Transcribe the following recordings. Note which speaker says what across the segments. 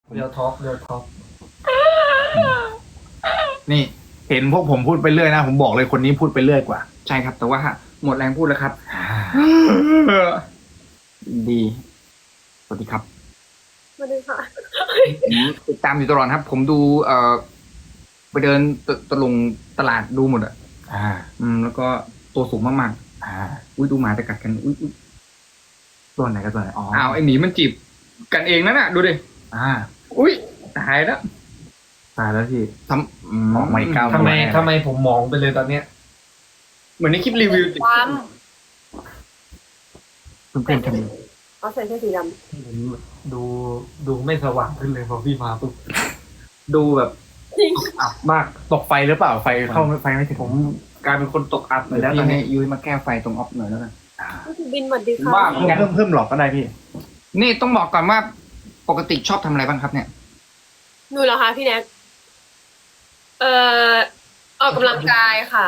Speaker 1: เรียวท็อปเรียวท็อป
Speaker 2: นี่เห็นพวกผมพูดไปเรื่อยนะผมบอกเลยคนนี้พูดไปเรื่อยกว่า
Speaker 3: ใช่ครับ แต่ว่าหมดแรงพูดแล้วครับ ดีสวัสดีครับ
Speaker 4: มาดูค่ะ
Speaker 3: ผมติดตามอยู่ตลอดครับ ผมดูไปเดินตะลงตลาดดูหมดอ่ะ แล้วก็ตัวสูงมากๆอุ้ยดูหมาจะกัดกันอุ้ย
Speaker 2: ตัวไหนกับตัวไหนอ๋อ
Speaker 3: อ้าวไอหมีมันจีบกันเองนั่นน่ะดูดิ อุ้ยตายแล้ว
Speaker 2: ตายแล้วพี่
Speaker 3: ทำ
Speaker 2: ออกมาอีก9
Speaker 1: ทำไมผมมองไปเลยตอนเนี้ย
Speaker 3: เหมือนในคลิปรีวิว
Speaker 4: ความ
Speaker 3: เพื่อนๆทำ
Speaker 4: เอาใส่เสื้อสีด
Speaker 1: ผมดูไม่สว่างขึ้นเลยพอพี่มาปุ๊บดูแบบ
Speaker 4: ำจริง
Speaker 1: อับมาก
Speaker 2: ตกไฟหรือเปล่าไฟเข้าไฟไม่ถึง
Speaker 1: ผมกลายเป็นคนตกอับไป
Speaker 3: แล้
Speaker 1: แล้ว ว
Speaker 3: ต
Speaker 1: ต
Speaker 3: อ
Speaker 1: อน น
Speaker 3: นี้
Speaker 1: นี้
Speaker 3: ยุ้ยมาแก้ไฟตรงออฟหน่อยแล้วกัน
Speaker 4: พี่บินสวัสดีค่ะ
Speaker 3: บ้า
Speaker 2: เพิ่มหลอกก็ได้พี่
Speaker 3: นี่ต้องบอกก่อนว่าปกติชอบทำอะไรบ้างครับเนี่ย
Speaker 4: หนูเหรอคะพี่แน็กออกกำลังกายค่ะ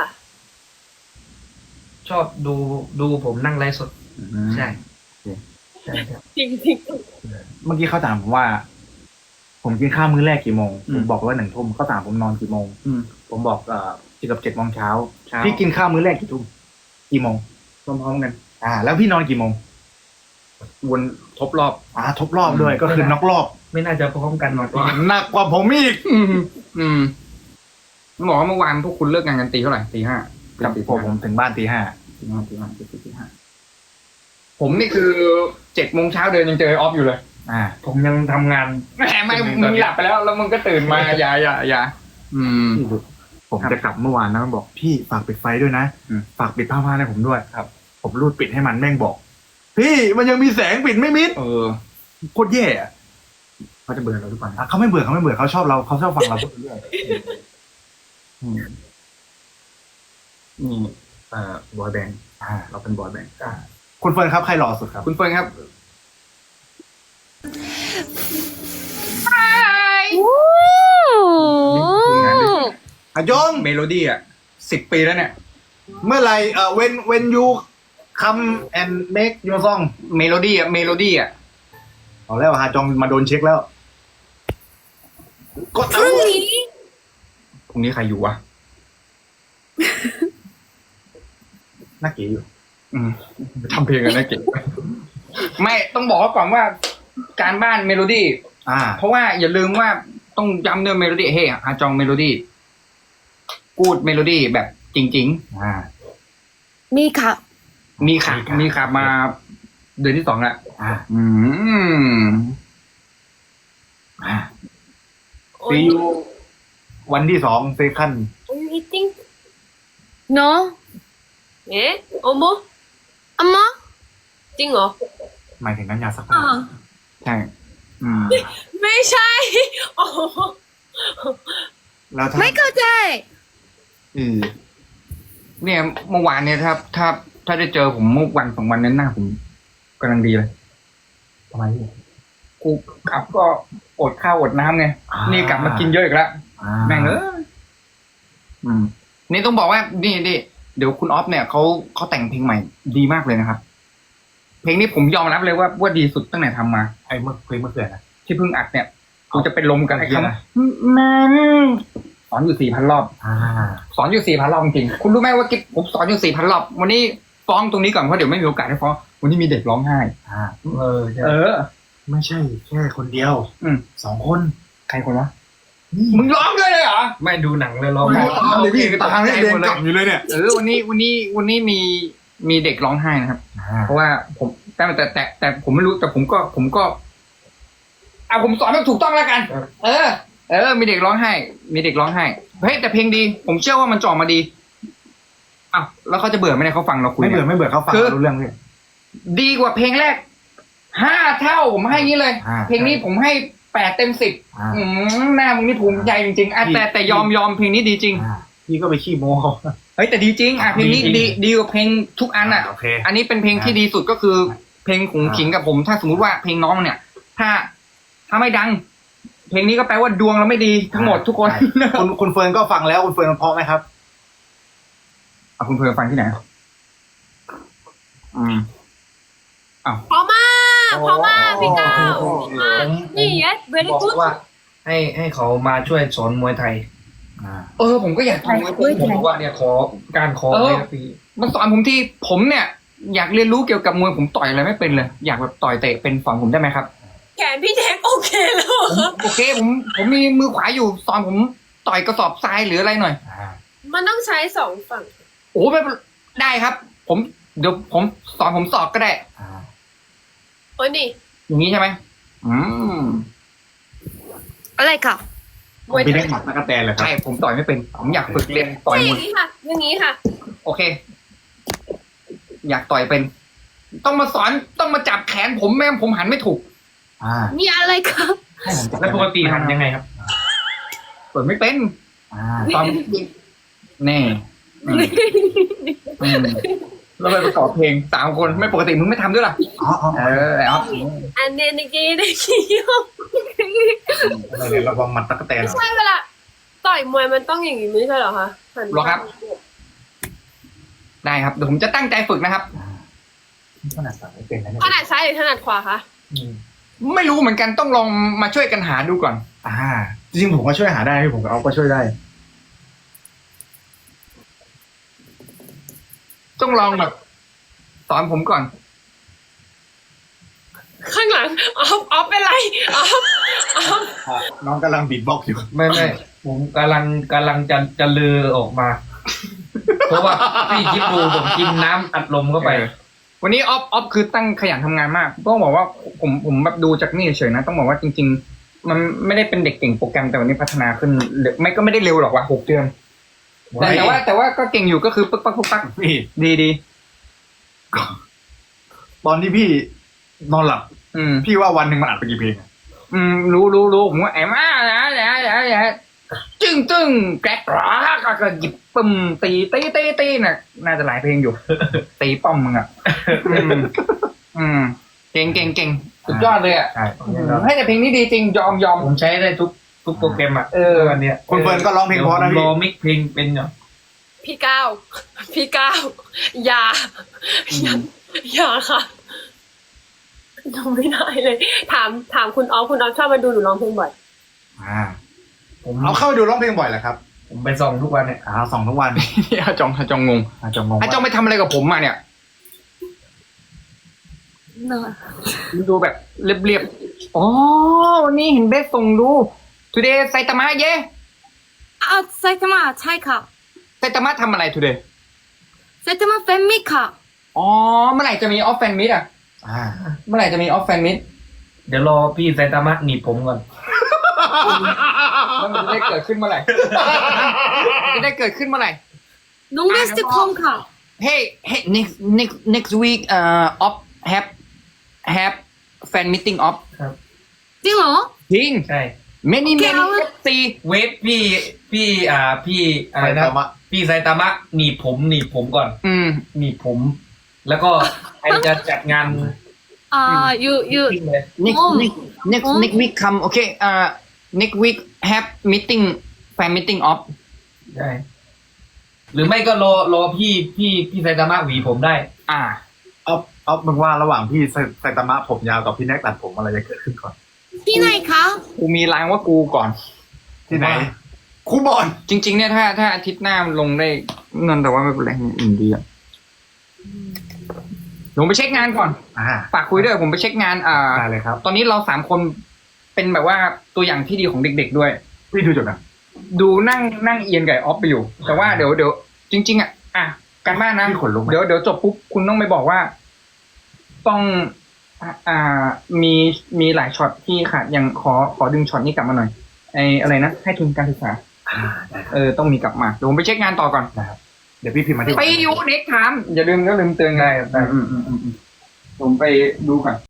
Speaker 1: ชอบดูผมนั่งไลฟ์สดใช่ใช่ครับ
Speaker 4: จริงจริง
Speaker 2: เมื่อกี้เขาถามผมว่า ผมกินข้าวมื้อแรกกี่โมง
Speaker 3: อื
Speaker 2: ผม มบอกว่า1 ทุ่มเขาถามผมนอนกี่โมง
Speaker 3: อืม
Speaker 2: ผมบอกเกือบ7 โมงเช้า
Speaker 3: เช้า
Speaker 2: พี่กินข้าวมื้อแรกกี่ทุ่มกี่โมง
Speaker 3: พร้อมๆกัน
Speaker 2: แล้วพี่นอนกี่โมง
Speaker 3: วนทบรอบ
Speaker 2: ทบรอบด้วยก็คือนอกรอบ
Speaker 1: ไม่น่าจะพร้อมกันหรอกพี่
Speaker 2: หนักกว่าผมอีก
Speaker 3: บอกว่าเมื่อวานพวกคุณเลิกงานกันตีเท่าไหร่ตี 5
Speaker 2: กับผมถึงบ้านตี 5
Speaker 3: ผมนี่คือ7 โมงเช้าเดินยังเจอออฟอยู่เลย
Speaker 1: ผมยังทำงาน
Speaker 3: แหมไม่มึงหลับไปแล้วแล้วมึงก็ตื่นมา อย่า
Speaker 2: ผมจะกลับเมื่อวานนะมันบอกพี่ฝากปิดไฟด้วยนะ
Speaker 3: อืม
Speaker 2: ฝากปิดผ้าม่านให้ผมด้วยครับ ผมรูดปิดให้มันแม่งบอก พี่มันยังมีแสงปิดไม่มิดโคตรแย่อะ
Speaker 3: เขาจะเบื่อเราทุกวัน
Speaker 2: เขาไม่เบื่อเขาชอบเราเขาชอบฟังเราพูดเรื่อย
Speaker 3: นี่บอยแบนด์เราเป็นบอยแบนด์
Speaker 2: คุณเฟิร์นครับใครหล่อสุดครับ
Speaker 3: คุณเฟิร์นครับ
Speaker 2: อะยง
Speaker 3: เมโลดี้10 ปีแล้วเนี่ย
Speaker 2: เมื่อไหร่when you come and make your song
Speaker 3: เมโลดี้
Speaker 2: เอาแล้วฮาจองมาโดนเช็คแล้วกด
Speaker 4: พรุ่งนี้
Speaker 3: พรุ่งนี้ใครอยู่วะ
Speaker 2: น่าเก๋อยู่
Speaker 3: ทำเพลงกันนะเก่งไม่ต้องบอกก่อนว่าการบ้านเมโลดี้เพราะว่าอย่าลืมว่าต้องย้ำเนื้อเมโลดี้ฮาจองเมโลดี้กูดเมโลดี้แบบจริง
Speaker 4: มีค่ะ
Speaker 3: ๆ มีขับมาเดือนที่ 2แล้ว
Speaker 2: ซีอูวันที่2เซคัน
Speaker 4: Are you eating
Speaker 5: No,
Speaker 4: เอ๊ะโอโม
Speaker 5: 엄마?
Speaker 4: จริงเหรอ
Speaker 2: หมายถึงน้ำยาซักผ้า
Speaker 3: ใช่
Speaker 4: ไม่ใช่ โอ้โห
Speaker 2: แล้วถ้า
Speaker 5: ไม่เข้าใจ
Speaker 3: เนี่ยเมื่อวานเนี่ยถ้าได้เจอผมเมื่อวัน2 วันนั้นหน้าผมกำลังดีเลย
Speaker 2: ทำไมพี่
Speaker 3: กูกลับก็อดข้าวอดน้ำไงนี่กลับมากินเยอะอีกแล้วแม่งนี่ต้องบอกว่านี่เดี๋ยวคุณออฟเนี่ยเขาแต่งเพลงใหม่ดีมากเลยนะครับ เพลงนี้ผมยอมรับเลยว่าดีสุดตั้งแต่ทำมา
Speaker 2: ไอ้เมื่อเกิดนะ
Speaker 3: ที่เพิ่งอัดเนี่ยกูจะเป็นลมกันไอ้
Speaker 2: เมื่อกี้
Speaker 3: คำ
Speaker 2: นะ
Speaker 3: มันสอนอยู่ 4,000 รอบ สอนอยู่ 4,000 รอบจริงๆคุณรู้ไหมว่ากิ๊บผมสอนอยู่ 4,000 รอบวันนี้ฟ้องตรงนี้ก่อนเพราะเดี๋ยวไม่มีโอกาสให้ฟ้องวันนี้มีเด็กร้องไห้
Speaker 1: ใช่
Speaker 2: ไม่ใช่แค่คนเดียว 2 คน
Speaker 3: ใครคนวะมึงร้องด้วยเลยเหรอ
Speaker 1: ไม่ดูหนังเลยร้อง
Speaker 2: ไม่
Speaker 1: ไห้
Speaker 2: ตามเลยพี่ตามเลยเดินกลับอยู่เลยเนี่ย
Speaker 3: วันนี้มีเด็กร้องไห้นะครับ เพราะว่าผมแต่ผมไม่รู้แต่ผมก็ผมสอนแบบถูกต้องแล้วกัน มีเด็กร้องไห้ เฮ้ยแต่เพลงดี ผมเชื่อว่ามันจะออกมาดีอ้าวแล้วเขาจะเบื่อไหมเนี่ยเขาฟังเราคุย
Speaker 2: ไม่เบื่อเขาฟังรู้เรื่องเลย
Speaker 3: ดีกว่าเพลงแรก5 เท่าผมให้งี้เลย เพลงนี้ผมให้8 เต็ม 10หน้ามึงนี่ภูมิใจจริงๆแต่ยอมเพลงนี้ดีจริง
Speaker 2: พี่ก็ไปขี้โม้เขา
Speaker 3: เฮ้ยแต่ดีจริงเพลงนี้ดีกว่าเพลงทุกอัน
Speaker 2: โอเค
Speaker 3: อันนี้เป็นเพลงที่ดีสุดก็คือ เพลงของขิงกับผม ถ้าสมมุติว่าเพลงน้องเนี่ย ถ้าไม่ดัง เพลงนี้ก็แปลว่าดวงเราไม่ดีทั้งหมดทุกคน
Speaker 2: คุณเฟิร์นก็ฟังแล้วคุณเฟิร์นเพราะไหมครับ
Speaker 3: คุณเพื่อนฟังที่ไหน
Speaker 4: พอมากเพราะว่าพี่ก้าว นี่ yes
Speaker 1: บ
Speaker 4: very
Speaker 1: อก
Speaker 4: good
Speaker 1: ว่าให้เขามาช่วยสอนมวยไทย
Speaker 3: ผมก็อยากทำ
Speaker 1: ผมบอกว่าเนี่ยขอการขอเลยครับพี่
Speaker 3: มันสอนผมที่ผมเนี่ย อยากเรียนรู้เกี่ยวกับมวยผมต่อยอะไรไม่เป็นเลย อยากแบบต่อยเตะเป็นสอนผมได้ไหมครับ
Speaker 4: แขนพี่แท็กโอเคแล้วเหรอครับ
Speaker 3: โอเคผมมีมือขวาอยู่สอนผมต่อยกระสอบทรายหรืออะไรหน่อย
Speaker 4: มันต้องใช้สองฝั่ง
Speaker 3: โอ้ไม่เป็นได้ครับ เดี๋ยวผมสอนผมสอบก็ได้
Speaker 4: โอ้ยนี่
Speaker 3: อย่างนี้ใช่ไหม
Speaker 5: อะไรค่ะ
Speaker 4: มวย
Speaker 2: พี่
Speaker 4: ไท
Speaker 2: เล็
Speaker 4: ย
Speaker 2: กหมัดตะกะแตนเลยครับ
Speaker 3: ใช่ผมต่อยไม่เป็น ผมอยากฝึกเรียนต่อย
Speaker 4: ใช่อ
Speaker 3: มว
Speaker 4: ย่าย งนี้ค่ะ อย่างนี้ค่ะ
Speaker 3: โอเค อยากต่อยเป็น ต้องมาสอนต้องมาจับแขนผมแม่งั้นผมหันไม่ถูก
Speaker 5: นี่อะไรคะ
Speaker 2: ให้ผมจับ
Speaker 1: แล้วปกติหันยังไงครับ
Speaker 3: เปิดไม่เป็นตอนแน่เราไปประกอบเพลง3 คนไม่ปกติมึงไม่ทำด้วยล่ะ
Speaker 2: อ๋อ
Speaker 3: เอา
Speaker 4: อันเนนิกีได้กี่ยก
Speaker 2: อะไรเนี่ยระวังหมัดตะกะแตน
Speaker 4: ไม่ใช่เวลาต่อยมวยมันต้องอย่างนี้ไม่ใช่เหรอคะหัน
Speaker 3: หรอครับ ได้ครับเดี๋ยวผมจะตั้งใจฝึกนะครับ
Speaker 2: ขนาดสั่งไม่เป็นนะเนี่ย
Speaker 4: ถนัดซ้ายหรือถนัดขวาคะ
Speaker 3: ไม่รู้เหมือนกันต้องลองมาช่วยกันหาดูก่อน
Speaker 2: จริงๆผมก็ช่วยหาได้พี่ผมกับเอาก็ช่วยได้
Speaker 3: ต้องลองแบบสอนผมก่อน
Speaker 4: ข้างหลังออฟเป็นไรออฟ
Speaker 2: น้องกำลังบีทบ็อกซ์อยู่
Speaker 1: ไม่ผมกำลังจะเลือออกมา เพราะว่าพี่คิดดูผมกินน้ำอัดลมเข้าไป
Speaker 3: วันนี้ออฟคือตั้งขยันทำงานมากต้องบอกว่าผมแบบดูจากนี่เฉยๆนะต้องบอกว่าจริง ๆ มันไม่ได้เป็นเด็กเก่งโปรแกรมแต่วันนี้พัฒนาขึ้นไม่ก็ไม่ได้เร็วหรอกว่า6 เดือนแต่ว่าก็เก่งอยู่ก็คือปึ๊กปักปึ๊กปัก
Speaker 2: พี่
Speaker 3: ดี
Speaker 2: ตอนที่พี่นอนหลับ พี่ว่าวันหนึ่งมันอัดไปกี่เพลงอะ
Speaker 3: รู้ผมว่าไอ้มาจึ้งแกรกก็หยิบปึ้มตีน่ะน่าจะหลายเพลงอยู่ ตีป้อมมึงอ่ะเก่งสุดยอดเลยอ่ะ
Speaker 1: ใช่
Speaker 3: ให้แต่เพลงนี้ดีจริงยอม
Speaker 1: ผมใช้ได้ทุกโปรแกรมอ่ะวันเนี้ย
Speaker 2: คุณเฟิร์นก็ร้องเพลงเพราะนะ
Speaker 1: ร
Speaker 2: พี่
Speaker 1: อมิกเพลงเป็นอยู่
Speaker 4: พี่ก้าวอย่าค่ะทำไม่ได้เลย ถามคุณออฟชอบมาดูหนูร้องเพลงบ่อย
Speaker 1: ผม
Speaker 2: เอาเข้าไปดูร้องเพลงบ่อยเหรอครับ
Speaker 1: ผมไปส่องทุกวันเนี่ย
Speaker 2: ส่องทุกวัน
Speaker 3: อาจองงง
Speaker 2: จงงง
Speaker 3: อาจองไปทำอะไรกับผมมาเนี่ย
Speaker 5: no
Speaker 3: ดูแบบเรียบๆอ๋อวันนี้เห็นเบสส่งดู today ไซตามะเย่
Speaker 5: ไซตามะใช่ค่ะ
Speaker 3: ไซตามะทำอะไร today
Speaker 5: ไซตามะแฟนมิค่ะ
Speaker 3: อ๋อเมื่อไหร่จะมีออฟแฟนมิดอ่ะเมื่อไหร่จะมีออฟแฟนมิด
Speaker 1: เดี๋ยวรอพี่ไซตามะหนีบผมก่อน
Speaker 3: แล้วมันจะได้เกิดขึ้นเมื่อไหร่ จะได้เกิดขึ้นเมื่อไหร่
Speaker 5: น้องเบสจะคอมค่ะ
Speaker 3: Hey next week off have fan meeting off
Speaker 5: จริงเหรอ
Speaker 3: จริง
Speaker 1: ใช่
Speaker 3: many FC
Speaker 1: เวฟพี่อะไรนะ
Speaker 2: ไซตามะ
Speaker 1: พี่ไซตามะหนีบผมก่อน หนีบผม แล้วก็ใครจะจัดงาน
Speaker 5: you
Speaker 1: ทิ้งเลย
Speaker 3: next week come okay next week have meeting fan meeting off
Speaker 1: ได้หรือไม่ก็รอพี่ไซตามะหวีผมได้
Speaker 2: เอามึงว่าระหว่างพี่ไซตามะผมยาวกับพี่แน็กตัดผมอะไรจะเกิดขึ้นก่อน
Speaker 5: ที่ไหนคะ
Speaker 3: กูมีรางว่ากูก่อน
Speaker 2: ที่ไหนครูบอล
Speaker 3: จริงๆเนี่ยถ้าอาทิตย์หน้ามันลงได้เงินแต่ว่าไม่เป็นไรดีอ่ะลงไปเช็คงานก่อนฝากคุยด้วยผมไปเช็คงาน
Speaker 2: ได้เลยครับ
Speaker 3: ตอนนี้เรา3 คนเป็นแบบว่าตัวอย่างที่ดีของเด็กๆด้วย
Speaker 2: พี่ดูจบนะ
Speaker 3: ดูนั่งเอียนไก่ออฟไปอยู่ แต่ว่าเดี๋ยวจริง ๆอ่ะการบ้านนะ
Speaker 2: พี่ขนลุกไหม
Speaker 3: เดี๋ยวจบปุ๊บคุณต้องไปบอกว่า ต้องมีหลายช็อตที่ขาดยังขอดึงช็อตนี้กลับมาหน่อยไอ้อะไรนะให้ทุนการศึกษาต้องมีกลับมาเดี๋ยวผมไปเช็คงานต่อก่อน
Speaker 2: เดี๋ยวพี่พิมพ์มาที่
Speaker 3: ไปอยู่เน็กถามอย่าลืมเตือนไงผมไปดูก่อน